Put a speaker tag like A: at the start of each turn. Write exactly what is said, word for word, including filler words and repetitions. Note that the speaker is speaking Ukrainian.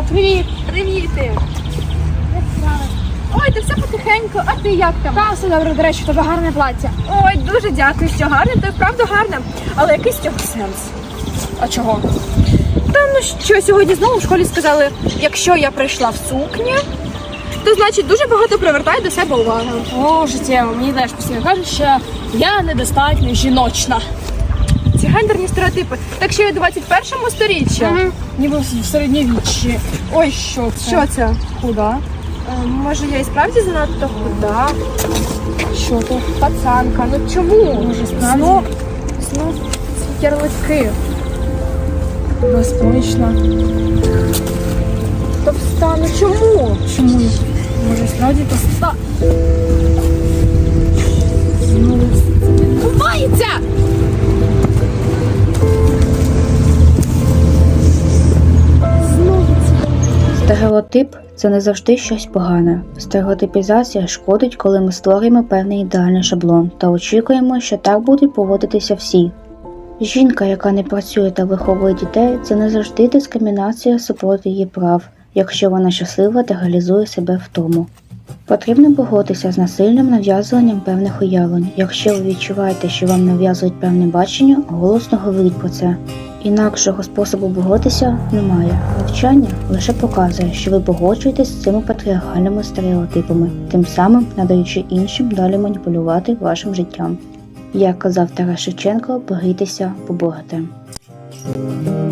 A: привіт!
B: Привіт!
A: Як справи?
B: Ой, та все потихеньку, а ти як там?
A: Та, все добре, до речі, у тебе гарне плаття.
B: Ой, дуже дякую, що гарне, то правда гарне. Але який з цього сенс?
A: А чого?
B: Та ну що, сьогодні знову в школі сказали, якщо я прийшла в сукні, то значить дуже багато привертає до себе уваги.
A: О, життєво, мені теж постійно кажуть, що я недостатньо жіночна.
B: Ці гендерні стереотипи. Так що і у двадцять першому сторіччі.
A: Угу. Ніби в середньовіччі. Ой, що це?
B: Що це?
A: Куда?
B: Е, може, я і справді занадто худа?
A: Що то?
B: Пацанка, ну чому?
A: Може, справді?
B: Знов, знов ці ярлики.
A: Безпомічна.
B: Товста, ну чому?
A: Чому? Може, справді поста... Знову це відбувається!
B: Знову це.
C: Стереотип – це не завжди щось погане. Стереотипізація шкодить, коли ми створюємо певний ідеальний шаблон та очікуємо, що так будуть поводитися всі. Жінка, яка не працює та виховує дітей – це не завжди дискримінація супроти її прав, якщо вона щаслива та реалізує себе в тому. Потрібно боротися з насильним нав'язуванням певних уявлень. Якщо ви відчуваєте, що вам нав'язують певне бачення, голосно говоріть про це. Інакшого способу боротися немає. Навчання лише показує, що ви погоджуєтесь з цими патріархальними стереотипами, тим самим надаючи іншим далі маніпулювати вашим життям. Як казав Тарас Шевченко, борітеся, поборете.